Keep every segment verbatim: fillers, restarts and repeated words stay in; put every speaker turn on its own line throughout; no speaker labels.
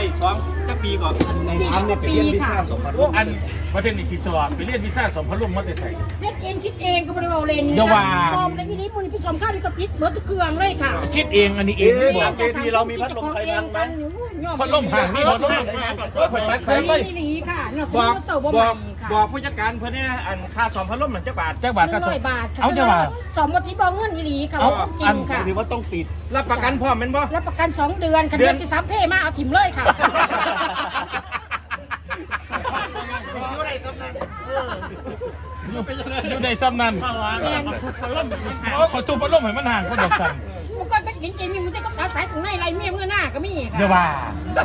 สองจักปีก่อนในทำเนี่ยไปเรียนวิชาสมพันธ์อันประเทศนี้สิสอบไปเรียนวิชาสมพันธ์ลุ่มมาแต่ใส่
เล่นเองคิดเองก็บริวารเลนนี่ฟอร์มในที่นี้มูลนิธิสมข้าวที่กระติดเบิร์ตเครื่องเลยค่ะ
คิดเองอันนี้เองไม่บอกเจพีเรามีพัดลมไฟฟ้าไหมพัดลมห่างนี่พัดลมห่างก็คนมัดใส่ไปบอกบอกบอกผู้จัดการเพื่อนเนี่ยอันค่าสอมพัดลมหนึ่งเจ้าบาทเจ้าบาทก็สองเอาเจ้าบาท
สอมวันที่บอกเงินยี่หลีค่ะจริงค่ะ
หรือว่าต้องติดรับประกันพร้อมมันบ่
รับประกันสองเดือนกันเดือนที่สามเพ่มาเอาถิ่มเลยค่ะ
อยู่ในซ้ำนั้น
อยู่ในซ้ำนั้นขอตู้พัดลมให้มันห่างคนดอกสั่น
มันก็จริงๆมีมันจะก็ตัดสายถึงในไรเมียเมื่อหน้าก็มีค่ะ
เดี๋ยวว่า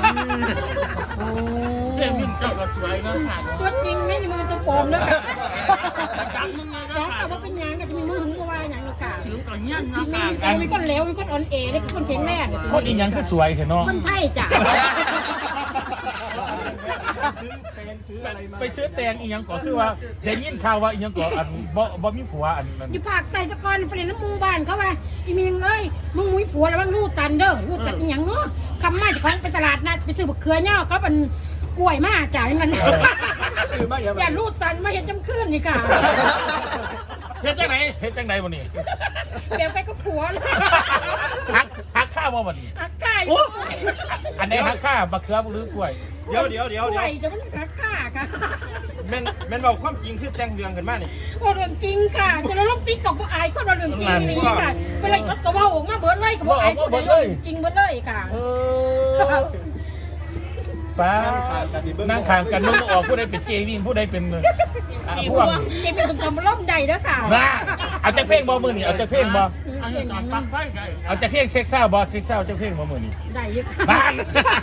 เจ้ามิ่งเจ้าก็สวยนะ
ตัวจริงไม่มีมันจะปลอมแล้วจ้องแต่ว่าเป็นยังก็จะมีมือถึงว่าอย่างนี้ค่ะถึงก่อนเงี้ยนะค่ะมีคนเลวมีคนอ่อนเอได้คนแข็งแรง
คนอีกอย่างคือสวยเห็นเนาะ
คนไทยจ้ะ
ไปซื้อแตงอีกอย่างก่อนคือว่าเดี๋ยวยินข่าวว่าอีกอย่างก่อนอันบ่บ่มีผัวอันนั้น
อยู่ภาคใต้ตะกอนไปเรียนน้ำมูบ้านเขาว่าอีมีเอ้ยมึงมุ้ยผัวแล้วมึงรูดตันเด้อรูดจัดอย่างเนาะคำมาจากของไปตลาดนัดไปซื้อบักเขือเนี่ยก็เป็นกล้วยมาจ่ายเงินอย่ารูดตันมาเห็นจำคืนนี่ค่ะ
เฮ็ดจังไหนเฮ็ดจังไหนวันนี้
เดี๋ยวไปก็ผัว
หักหักข้าวบ่วันนี้
หักข้าว
อันไหนหักข้าวบักเขือหรือกล้วย
เดี๋ยวเดี๋ยวเดี๋ยว
กล้วยจะมันหักข้าค่ะ
แม่นแม่นบอกความจริงคือแต่งเรื่องกันมานี่
โอ้เรื่องจริงค่ะจะเราลงติ๊กกับผู้อายก็เราเรื่องจริงนี่ค่ะเป็นไรเขาก็ว่าออกมาเบิร์ดเลยกับผู้อายก็ได้จริงเบิร์ดเลยค่ะ
ป้านั่งขางกันมึงออกผู้ใดเป็นเจวินผู้ใดเป็น
ผู้ว่าเจเป็นสมคำล่มใดแล้วค่ะ
น่าเอาจะเพ่งบ่มือนี่เอาจะเพ่งบ่เอาจะเพ่งเซ็กซ์ซ่าบ่เซ็กซ์ซ่าจะเพ่งบ่มือนี่
ได้ยัง
บ้าน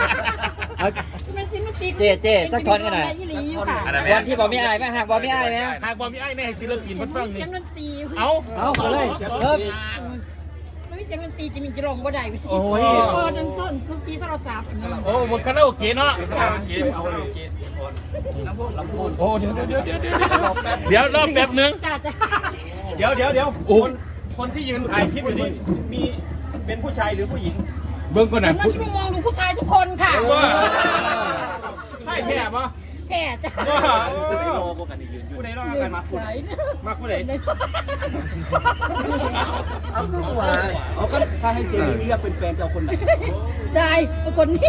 เจ๊เจ๊ต้องทอนกันหน่อยวันที่บอกไม่อายไหมหากบอกไม่อายไหม
หากบอกไม่อายในให้ศิลปินเพิ่นฟังนี่
เอาเอาเลยเออ
ไม่เสียงดนตรีจะมีจะร้องบ่ได้
โอ้ย
โอ้นั่นต้นดนตรีโทรศัพท์
โอ้บนคาราโอเกะเนาะ
เอาโอเคลำพูนลำพูน
โอ้เดี๋ยวเดี๋ยวเดี๋ยวเดี๋ยวรอแป๊บนึง
เดี๋ยวเดี๋ยวเดี๋ยวคนคนที่ยืนถ่ายคลิปอยู่นี่มีเป็นผู้ชายหรือผู้หญิง
เบิ้งก่อนนะ
มันจะมองดูผู้ชายทุกคนค่ะ
ใช่แม่ปะ
แก่จ้ะ
ผู้ใดรอกันมาผู้ใดมาผู้ใด
เอาก็หัว
เอาก็ถ้าให้เจมี่เรียกเป็นแฟนเจ้าคนไหน
ได้คนนี้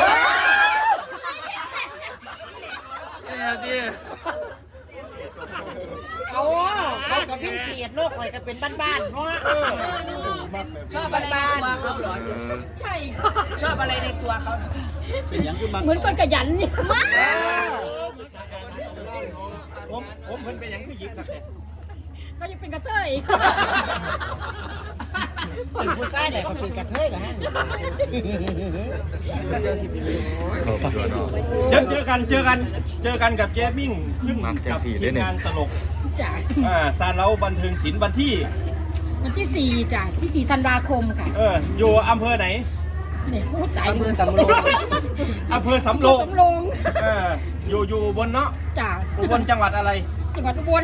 เขาเขากับพิ้งเกียรติโลกข่อยก็เป็นบ้านๆเนาะชอบอะไรในตัวเขาเหรอ
ใช่
ชอบอะไรในตัวเขา
เป็นอย่างคือ
เหมือนคนขยันนี่
ผมผมเพิ่นเป็นอย่างคือยิบครับ
ก็ยังเป็นกระเทย
เป็นผู้ชายแหละก็เป็นกระเทยเหรอฮะ
เดี๋ยวเจอกันเจอกันเจอกันกับเจมิ่งขึ้นกับทีมงานตลกอ่าซาเล้าบันเทิงศิลป์วันที่
วันที่สี่จ้ะที่สี่ธันวาคมค่ะ
เอออยู่อำเภอไหน
เนี่ยพูดใจ
อำเภอสำโรง
อำเภอสำโรง
สำโรง
เอออยู่อยู่บนเนาะ
จ้ะ
อุบลจังหวัดอะไร
จังหวัดอุบล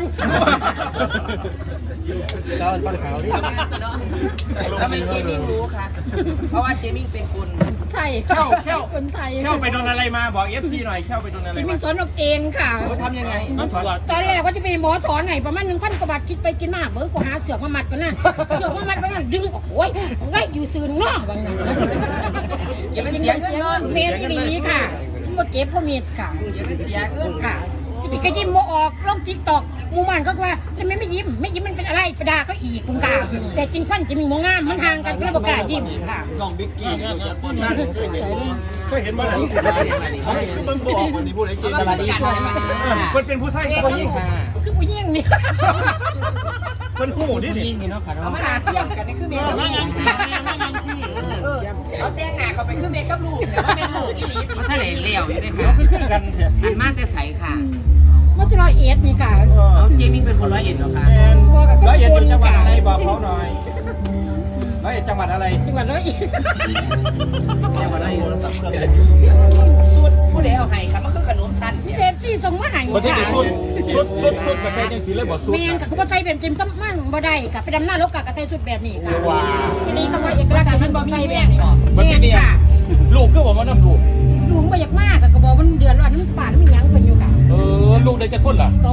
ตอนปัญหาที่ทำไมเจมิ่งรู้คะเพราะว่าเจมิ่งเป็นคน
ไทยเข้าเข้าคนไทย
เข้าไปโดนอะไรมาบอกเอฟซีหน่อยเข้าไปโดนอะไร
เจมิ่งสอนออกเองค่ะ
เขาทำยังไง
ตอนแรกว่าจะเป็นหมอสอนไหนประมาณหนึ่งพันกว่าบาทคิดไปกินมากเบิ้งกูหาเสือกมามัดกันนะเสือกมามัดไปนั่นดึงโอ้ยไงอยู่ซื่นน้องบางนั้น
เก็บเป็นเสียเงินนอน
เมตรนี้ค่ะมาเก็บก็เมตรค่ะ
เก็บเป็นเสียเงิน
ค่ะอีกก็ยิ้มโมออกลงติ๊กตอกมูมันก็ว่าทำไมไม่ยิ้มไม่ยิ้มมันเป็นอะไรไปด่าก็อีกคุณกาแต่จริงฟันจะมีโมงามมันห่างกันเพื่อประกาศยิ้มค่ะ
น้องบิ๊กกี้นั่นเคยเห็นมาไหนเขาคือเบิ้งบอกวันนี้พูดอะไรจริง
สวัสดีค่ะ
คนเป็นผู้ชายคนนี้
คือผู้หญิงนี่
คนผู้นี่
นี่นี่เนาะค่ะเนาะ
มาเทียบกันนี่คือเมย์
มายังมายังพี่เอาแต่งหน้าเขาไปคือเมย์กับลูกแต่ว่าเมย์ลูกที่นี่เขาทะเลเลี้ยวอยู่ด้วยค่ะ
คือคือกัน
อันมากแต่ใสค่ะ
มัจะร้อยเอ็ดนี่ค่ะ
เจมิ่งเป็นคนร้อยเอ็ดเหรอคะ
ร้อยเอ็ดเป็นจังหวัดอะไรบอกเขาหน่อยร้อยเอ็ดจังหวัดอะไร
จังหวัดร้อยเอ็ด
จังหวัดร้อยเอ็ดโทรศัพท์เครื่องสุดผู้ใดเอาให้ครับมันคือขนมสั้น
เจมซี่ส่งมาให้
ค่ะสุดสุดสุดสุดกระใสยังสีเลยบอกสุด
เมนกับกระใสแบบจิมก็มั่งบ่ได้กับไปดำหน้ารถกับกระใสสุดแบบนี้ค่ะทีนี้ก็ว่าเอกลักษณ์มันบ่มีแบบนี้
มันที่นี่ลูกก็บอกว่าน้ำลูก
ลุงไป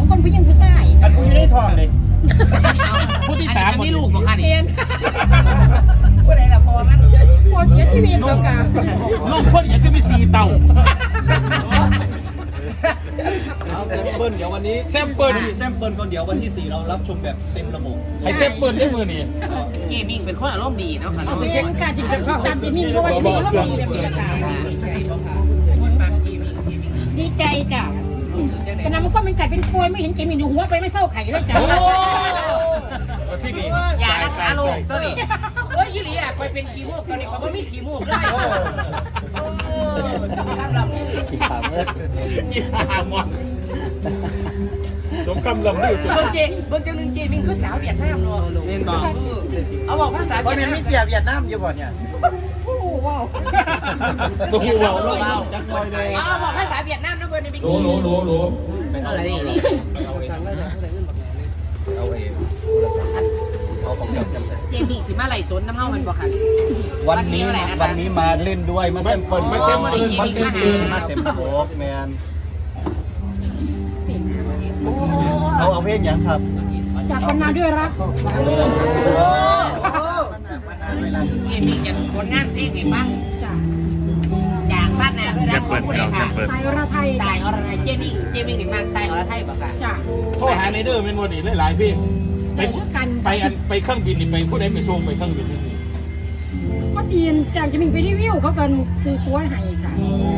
คนผู้หญิงผู้ชาย
อันกูอยู่ในท้องเลยผู้ที่สามมีลูกบ่คะนี่
เรียน
ผู้ใดล่ะพอมัน
ปวดเสียชีวิตแล้วกัน
ลูกคนอย่างคือมีสี่เต่า
เอาแซมเปิลเดี๋ยววันนี้
แซมเปิล
แซมเปิลคนเดี๋ยววันที่สี่เรารับชมแบบเต็มระบบ
ไอ้แซมเปิลได้มือนี่
เกมมิ่งเป็นคนอารมณ์ดีเนาะค่ะ
เอาเป็นการที่จะตามจิมิ่งเพราะว่าจิมิ่งก็มีแบบนี้ต่างดีใจจ้ะแต่น้ำก็เป็นไก่เป็นป่วยไม่เห็นจิมิ่งดูหัวไปไม่เศร้าไข่เลยจ้ะ
ที่นี่
อย่ารักษาโรคตัวนี้เอ้ยยี่หลีอ่ะคอยเป็นขี้มูกตอนนี้เขาไม่มีขี้มูกได้ขี้ขาเมื่อ
ยี่ห้าหมดสมคำลำลือ
เบิ้งเจเบิ้งเจ้าหนึ่งเจมิงคือสาวเวียดนามเนาะเรียนบอกเอาบอกภาษาเวียดนามมีเสียเวียดนามอยู่บ่เนี่ย
ผู้ว้าว
ตัวหัว
เรา
เรา
เราจักรอยเลย
เอาบอกภาษาเวียดนามนะเบิ้งในบิ๊ก
โหลโหลโหล
เออนี่นี่
เอาเองเอาของเจ้าแซม
เจมิงสิมาไหลสนน้ำเฮามันบ่ค่ะ
วันนี้วันนี้มาเล่นด้วยมาแซมเปิลมาแซมเปิลมาเต็มที่มาเต็มโป๊กแมนเอาเอาเพลงยังครับ
จากวันนาด้วยรัก
เจมิงจะผลงานเพลงให้ฟัง
จ้ะ
จากบ้านนาด้วยนะของผู้ใดค่ะ
ไทยระไทย
ตายอรไทยเจมิงเจมิงนี่มาตายอรไทยบ่ค่ะ
จ้ะ
โทษหาในเด้อเป็นวันนี้หลายๆพี่ไปไปอันไปเครื่องบินนี่ไปผู้ใดไปส่งไปเครื่องบินนี่
ก็ทีมจากจิมิ่งไปรีวิวเขากันซื้อตัวให้ค่ะ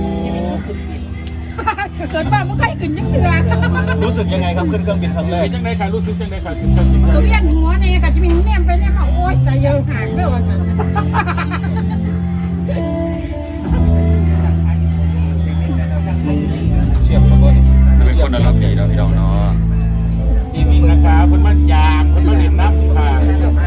เกิดบ้าเมื่อใครขึ้นยังเถื่อ
รู้สึกยังไงครับขึ้นเครื่องบินครั้งแรก
เป็นจังไดค่ะรู้สึกจังไดค่ะขึ้นเครื่องบิน
ก็เวียนหัวเนี่ยกับจิมิ่งแนมไปแนมมาโอ๊ยใจเย็นหายไปว่ากัน
เชียบแล้วก็
เป็นคนอารมณ์ดีเนาะพี่น้องเนาะ
จีมิงนะคะเพิ่นมายามเพิ่นมาเล่นน้ำค่ะ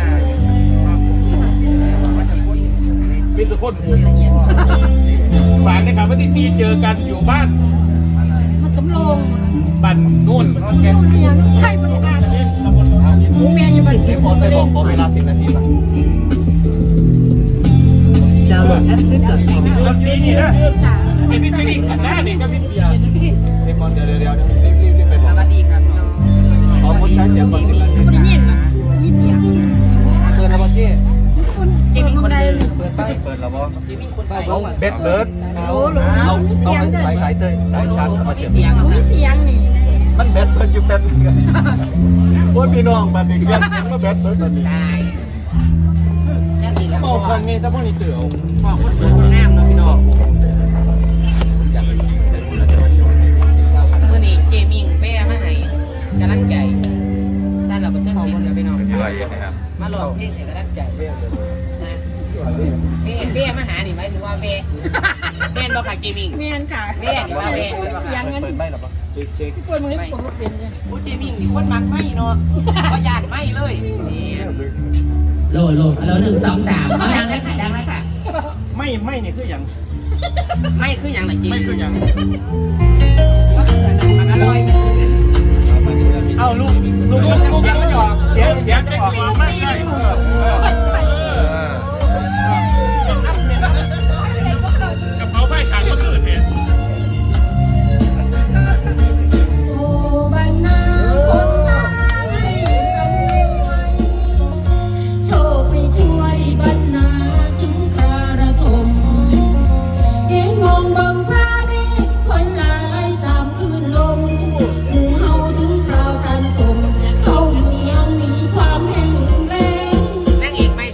เป็นทุกคนหูฝากนะครับวันที่สี่เจอกันอยู่บ้าน
มันสำโรง
บ้านนู่น
แกเนี่ยไทยบริการ
เล่นตำบลท่าเย็น
หมูแมนอยู่บ้าน
เดี๋ยวผมไปบอกขอเวลาสิบนาทีป่ะ
แล้วนี่นี่นะ
จ้ะ
ไอ้พี่จะนี่กันหน้านี่ก็พี่เบียร์
เดี๋ยวก่อนเดี๋ยวเดี๋ยวเดี๋ยวรีบรีบรีบไปบ
ส
อก
วัสดีครับ
ขอคนใช้เสียงก่อนสิบนาที
ไม่ได้ยินนะมีเสียง
เปิดแล้วป่ะเจ๊
คุณเจิมิ่งคนใด
เปิดไปเปิดแล้วป่ะ
เจมิงคนไทย
เอาเบ็ดเบิร์ด
โอ้โห
เอา
มี
เอา
เสียงจ้ะ
สายสายเตยสายชาร์จเอามาเสียบ
เสียง
มีเสียงนี่
มันเบ็ดเบิร์ดอยู่แป๊บนึงโอ้ยพี่น้องบัดนี้เรียกยังมาเบ็ดเบิร์ดบัดนี้
ตายแค่ทีแล้ว
เมาครั้งนี้ถ้าพวกนี้เตื่อ
บอกคนสวยคนงามเนาะพี่น้อง
อยากไปกินแต่คุณอาจจะ
เมื่อนี้เจมิงแป้มาให้กำลังใจสั้นเราบันเทิงศิลป์เดี๋ยวพี่น้อง
พี่วายนะครับ
มาลองเพลงเสียงกำลังใจนะเป้เป้มาหานี่ไหมหรือว่าเป้เป้นบ่ค่ะเจมิง
แมนค่ะ
แม่นี่ว่าแม่
เสียงเงิน
เปิดไม่หรอป่ะเช็คเช็ค
พี่ป่วยมึงนี่ปวดหัวเป็นเนี่ย
โอ้เจมิงนี่คนมักไม่เนาะก็ยานไม่เลยโหลโหลโหลหนึ่งสองสามเอาดังเลยค่ะดังเลยค่ะ
ไม่ไม่เนี่ยคืออย่าง
ไม่คืออย่างไรจริง
ไม่คืออย่าง
อร่อย
เอาลูกลูกลูกลูกก็หยอกเสียงเสียงจะออกมาไม่ได้เออเออกระเพราไผ่ขาดก็คือเห็น
โอ้บ้านนาคนตายกำลังไหวโชคไปช่วยบ้านนาถึงคาระทมเอ็งมองบังพระนี่คนหลายตามคลื่นลมหมู่เฮาถึงคราวสันสมเข้าเมืองหนีความแห้งแล้ง
นั่งเอกไม่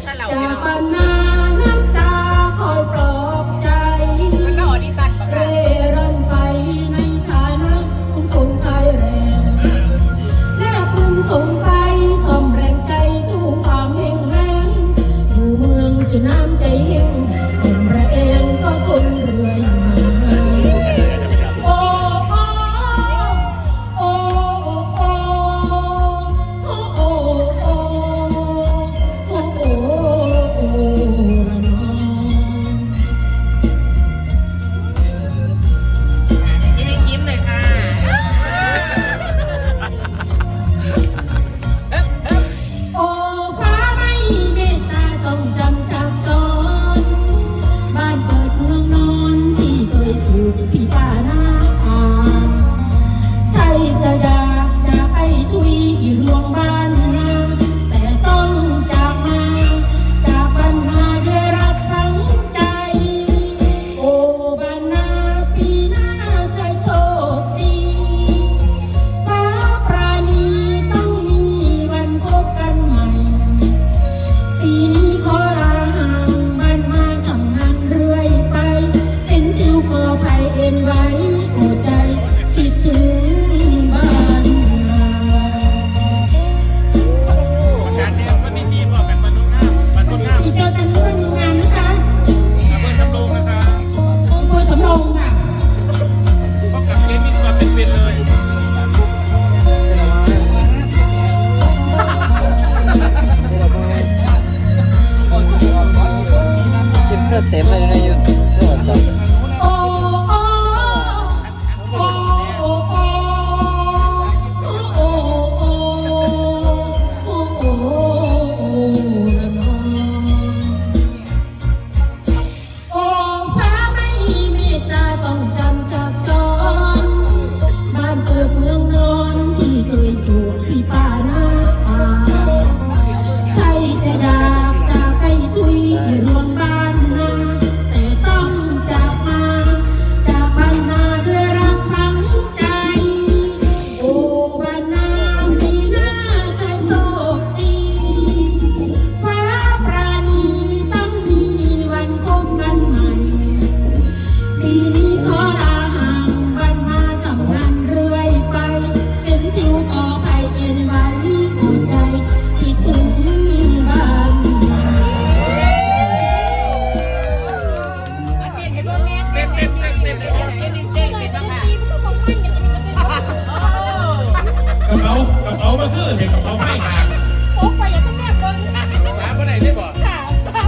เต้นเป็นบ้างค่ะ
กระเป๋ากระเป๋ามาคือเด็กกระเป๋าไม่ขาด
โอ้ไปอย่าต้องแม่เบิ้ง
หาเมื่อไหร่ได้บ่
ค่ะ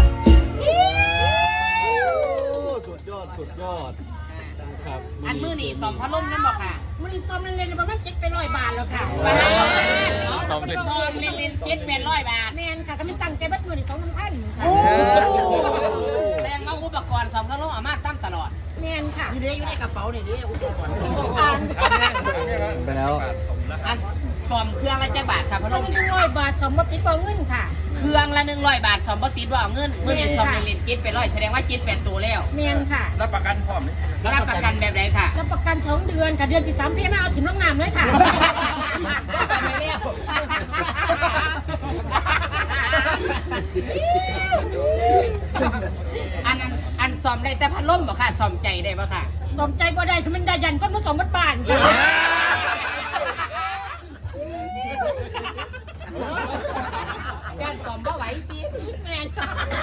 สุดยอดสุดยอดครับ
อันมือนี่สองพัดลมนั่นบอกค่ะ
มันซ้อมเล่นๆประมาณเจ็ดไปร้อยบาทแล้วค่ะ
ว้าวซ้อมเล่นๆเจ็ดแปดร้อยบาท
แมนค่ะก็ไม่ตั้งใจบัดมือในสองพันค่ะ
แสดงว่าอุปกรณ์สองพัดลมอามาตั้งตลอด
แมนค่ะ
นี่เด้อยู่ในกระเป๋านี่เด้อุปกรณ์
อ่าน
ไปแล้ว
อันสอมเครื่องละจักบาทครับพัดล
ต้อ
ม
งหนึ่งร้อยบาทสองบัตรติดต่อเงินค่ะ
เครื่องละหนึ่งร้อยบาทสอมบ่ติดว่าเอาเงินมือนี่สอมเล่นๆเจ็ดแปดร้อยแสดงว่าเจ็ดแปดตัวแล้ว
แมนค่ะ
รับประกันพร้อม
รับประกันแบบไหนค่ะ
รับประกันสองเดือนค่ะเดือนที่สามพี่ไม่เอาถิ่มลงน้ำเลยค่ะ
ก็สอมไปแล้วอันอันอันสอมได้แต่พัดลมบ่ค่ะสอมใจได้บ่ค่ะ
สมใจบ่ได้คือมันได้ยันก้นผสมบัดบานค่ะ
ย่านสอมบ่ไหวติ
แมนค่ะ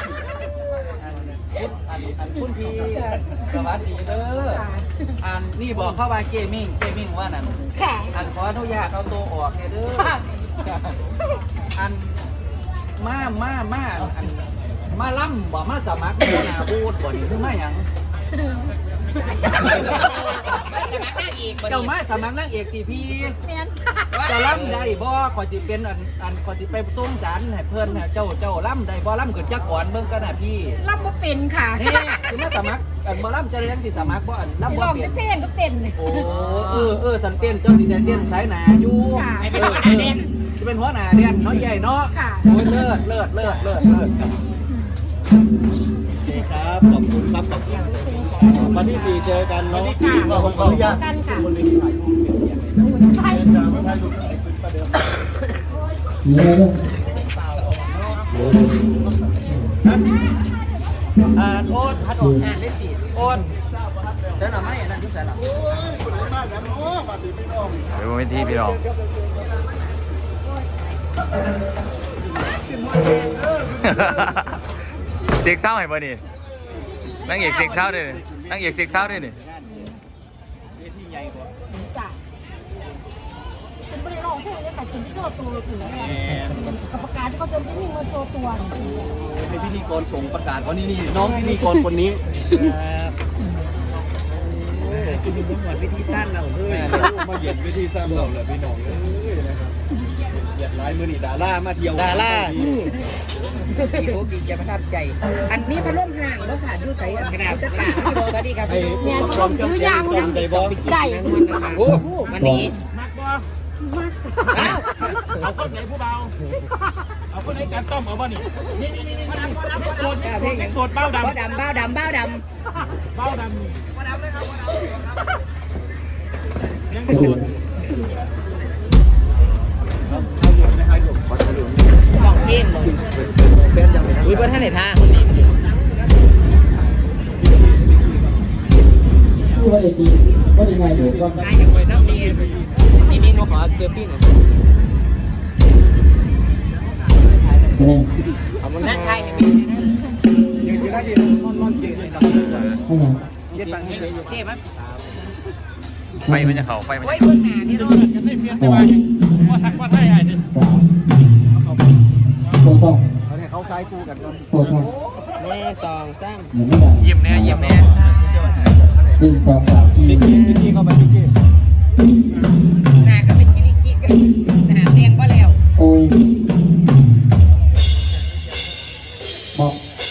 อันอันคุณพี่สวัสดีเด้ออันนี่บอกเข้ามาเกมมิ่งเกมมิ่งว่านั่น
ค่ะ
อันขออนุญาตเอาตัวออกเด้ออันมามามาอันมาล่ำบ่มาสมัครหัวหน้าบูธบ่นี่คือมาหยัง
สมัครได้อีกบ่
เจ้า
ดี
มาสมัครนางเอกตีพี่
แมนค่ะ
จะล่ำได้บ่ขอสิเป็นอันอันขอสิไปส่งสารให้เพิ่นน่ะเจ้าเจ้าล่ำได้บ่ล่ำขึ้นจักก่อนเบิ่งกันน่ะพี่
รับบ่เป็นค่ะ
นี่คือมาสมัครอันบ่ล่ำจะได้ยังสิสมัครบ่อันล่ำ
ล
บ่
อง
เปลี่ย
จะ
น
เพลงก็เต้น
โอ้เออเออสันเต้นเจ้าสิได้เต้นสายหนาอยู่
ค่ะ
ให้เป็นหัวหน้าเด่น
จะเป็นหัวหน้าเด่นเนาะใหญ่เนาะ
ค่ะ
โอ้ยเลิศเลิศเลิศเลิศเลิศครับ
โอเคครับขอบคุณครับขอบคุณวันที่สี่เจอกันเนาะ
ค่ะ
ผมขออนุญาต
เจอกันค่ะ
บนเวทีถ่ายรูปเปลี่ยนเปลี่ยนเลย
ใช่
จะมาถ่ายรูปอะไรขึ้นประเดิม
อ่าโอนพัดออกงานเล่นตีโอนเดินหน่อไม่อันนั้นยุ่งใส่หรอ
บ้านแล้วเนาะบ้านพี่น้อง
เดี๋ยวเป็นที่พี่น้องเซ็กเศร้าเห็นป่ะนี่นั่งเอกเซ็กเศร้าด้วยนี่นั่งเอกเซ็กเศร้าด้วยนี่
เวทีใหญ่กว่า
จ้ะเป็นบริโภคที่จะขายกินที่โชว์ตัวถึงแม่กับประกาศที่เขาจะไม่มีมาโชว์ตัว
ให้พิธีกรส่งประกาศว่านี่นี่น้องพิธีกรคนนี้กินเป็นหมวดวิธีสั้นเราเลยมาเหยียดวิธีสั้นเราเลยพี่น้องเลยนะครับเหยียดลายมือนี่ดารามาเที่ยว
ดาราพี่โอกิจะประทับใจ อันนี้พัดลมห่างแล้วค่ะดูใส่กระดาษกระดาษสวัสดีครับ
ไอ้อุปกรณ์เครื่องเสียงส่งได้บ่
ได้
โอ้วันนี้
มักบ่
มาก
เอาคนไหนผู้เบาเอาคนไหนการต้มเอาบ่นี่นี่นี่นี่โซนโซนเบ้าดำ
บ้าดำบ้าดำบ้าด
เบ้าดำเบ้าดำเลยครับเบ้าดำยังโซน
ำกล่องเทมเลยอุ้ยบนท่านไหนท่าคนนี้
ว่าได้ดีว่าได้ไงอยู่ก็
นายจะไปน้ำดีนี่มีหนูขอเซลฟี่หน่อย
แสดง
ขอบคุณนะใคร
ยังจะได้ดีนอนนอนเก่งเลยครับ
ให้ยัง
เย็ดฟังนี้เลย
เจ็บไหม
ไฟมันจะเข่าไฟมัน
โอ้
จะ
ยเบื้องหน้านี่เรา
จะได้เพียงแต่ว่าว่าทักว่าไทยไอ้นี่
สามโปรต้อง
เขาเนี่ยเขาคล้ายคู่กันก่อน
โปรต้อง
แม่สองสาม
เหมือนไม่ได้
เยี่ยมแน่เยี่ยมแน่
หนึ่งสองสามสี่
พิกกี้พิกกี้เข้าไปพิกกี้
หน้าก็เป็นกินิกิกันหน้าแดงก็แล้ว
โอ้ยบอก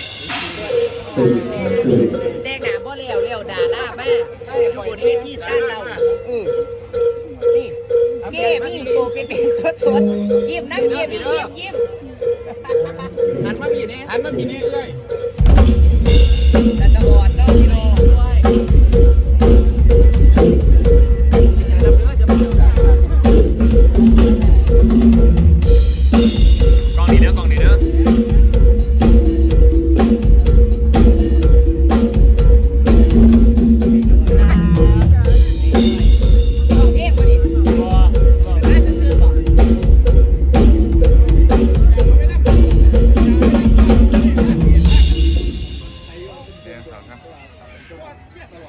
แดงหน้าบ่แล้วแล้วดาล่ามากก็ให้ปล่อยเวทีสร้างเราอือนี่เก็บนี่โตเป็นเป็นสดสดยิ้มนั่งเก็บยิ้มยิ้ม
หันมาพี่นี่
หันมาทีนี้เลย
แต่ตะบอดเนาะพี่น้องด้วย
กล้องนี้เด้อกล้องนี้เด้อ
เก็บมาดิน่าจะซื้อบ่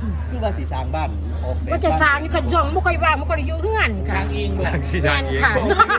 คือว่าสีสร้างบ้านออกแบบ
ว่าจะสร้างอยู่กันช่วงบ่ค่อยว่างบ่ค่อยได้อยู่เฮือนค่ะ
จากสี
แม่
ทาง
น
เอง
ค่ะ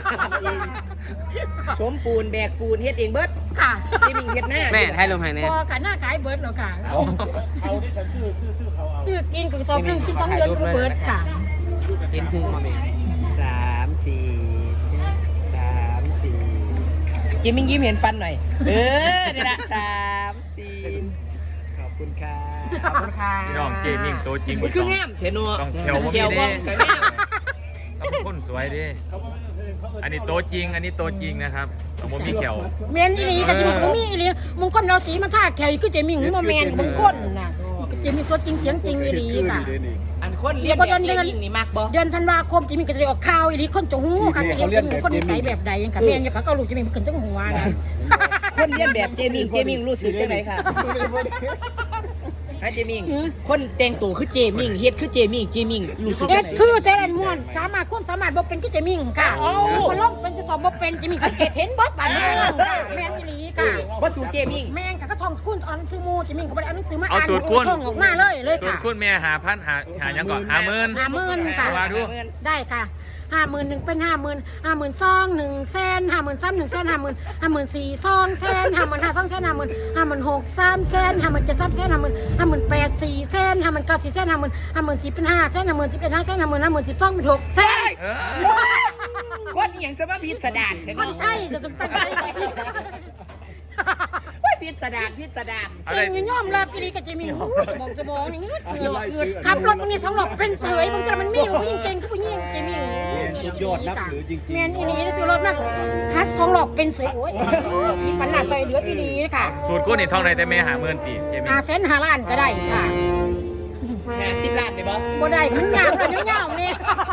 สมปูนแบกปูนเฮ็ดเองเบิด
ค่ะ
เจมิงเฮ็ดหน้าแม่ให้ลมหายแน่
พอกันหน้าขายเบิดเนาะค่ะ
เอาเอาที่ฉันซื้อซื้อซื้อเขาเอา
ซื้อกินกับซองนึงกินสองเดือนก็เบิดค่ะ
เห็นพุงมาแม่สามสี่สามสี่เจมิงยิ้มเห็นฟันหน่อยเออนี่ละสามสี่ขอบคุณค่ะขอบคุณค่ะ
พี่น้องเจมิงตัวจริง
มันคืองามเทนัว
ต้องเขียวบ่มี
เขียว
เด้
บ้องกับงาม
ต้องเป็นคนสวยเดิอันนี้ตัวจริง อันนี้ตัวจริงนะครับต้องบ่มีเขียว
แม่นอีหลีก็สิบ่มีอีหลีมงคลเราสีมาท่าแขวคือเจมิงบ่แม่นมงคลน่ะเจมิงตัวจริงเสียงจริงอีหลีค่ะ
อันคนเรียนแบบเจมิงนี่มักบ่
เดือนธันวาคมเจมิงก็จะได้ออกข่าวอีหลีคนจะฮู้ค่ะจะเรียนเป็นคนนิสัยแบบใดยังค่ะแม่นอยู่ค่ะก็รู้เจมิงขึ้นจังหัวนะ
คนเรียนแบบเจมิงเจมิงรู้สึกจังไดค่ะฮะเจมิงคนแต่งตัวคือเจมิงเฮ็ดคือเจมิงเจมิงรู้สึก
เอ็
จั
ด
งได
คือแต่ละม่วนสามารถความสามารถบ่เป็นคือเจมิงค่ะ
เอ้า
คนลบเป็นจะสอบบ่เป็นเจมิงสังเกตเห็นบ่ปานนี้ค่ะแม่นอีหลีค่ะ
บ่สู่เจมิง
แม่งค่ะก็ท่องคุณอ่านหนังสือหมูเจมิงก็บ่ได้อ่านหนังสือมา
เอา
อ่าน
สูตรคุณ
ท่องออกมาเลยเลย
ส่วน
ค่ะ
คุณแม่หาพันหาหายังก่อนหาหมื่น
ห้าหมื่นค่ะ
ว่าดู
ได้ค่ะห้าหมื่นหนึ่งเป็นห้าหมื่นห้าหมื่นสองหนึ่งแสนห้าหมื่นสามหนึ่งแสนห้าหมื่นห้าหมื่นสี่สองแสนห้าหมื่นห้าสองแสนห้าหมื่นห้าหมื่นหกสามแสนห้าหมื่นเจ็ดสามแสนห้าหมื่นห้าหมื่นแปดสี่แสนห้าหมื่นเก้าสี่แสนห้าหมื่นห้าหมื่นสิบเป็นห้าแสนห้าหมื่นสิบเอ็ดห้าแสนห้าหมื่นห้าหมื่นสิบสองเป็นหกแสน
เออ
คนอีหยังจะมาพิสดารเถอะ
คนไทยจะต้องไปไทย
ว่าพิสดารพิสดาร
อะไร
จริงยอมรับอีหลีกับเจมิงหูสมองสมองอย่างเงี้ยขับรถมันนี่สองหลบเป็นเสยมันจะมันมีผู้หญิงเก่งคือผู้หญิงเจมิง
ยอดนับถือจริงๆ
แมนอีหลีซื้อรถมากฮัทสองหลบเป็นเสยโอ้ยมีปัญหาซอยเหลืออีหลีค่ะ
สูตรคุณนี่ท่องในแต่แม่หาหมื่นตีเจมิง
อาเซนหาล้านก็ได้ค่ะ
ห้าสิบล้านได้บ่
บ่ได้มันยาวเลยเงาเนี่ย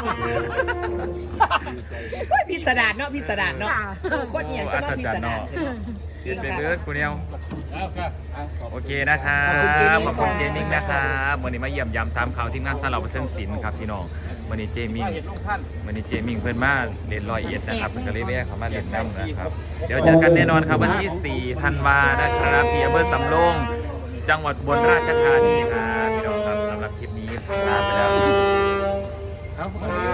ว่าพิสดารเนาะพิสดารเนาะคนอีหยังจะมาพิสดาร
เกินไปเลือดกูเนี่ย
เอาครับ
โอเคนะครับขอบคุณเจมิงนะครับวันนี้มาเยี่ยมยามตามข่าวทีมงานสลับเส้นศิลป์ครับพี่น้องวันนี้เจมิง
เห็นลุงพัน
วันนี้เจมิงเพิ่นมาเรียนรอยเอ็ดนะครับเพิ่นก็เลยแวะเข้ามาเรียนน้ำนะครับ เดี๋ยวเจอกันแน่นอนครับวันที่สี่ธันวานะครับที่อำเภอสำโรงจังหวัดอุบลราชธานีครับพี่น้องครับสำหรับคลิปนี้ลาไปแล้ว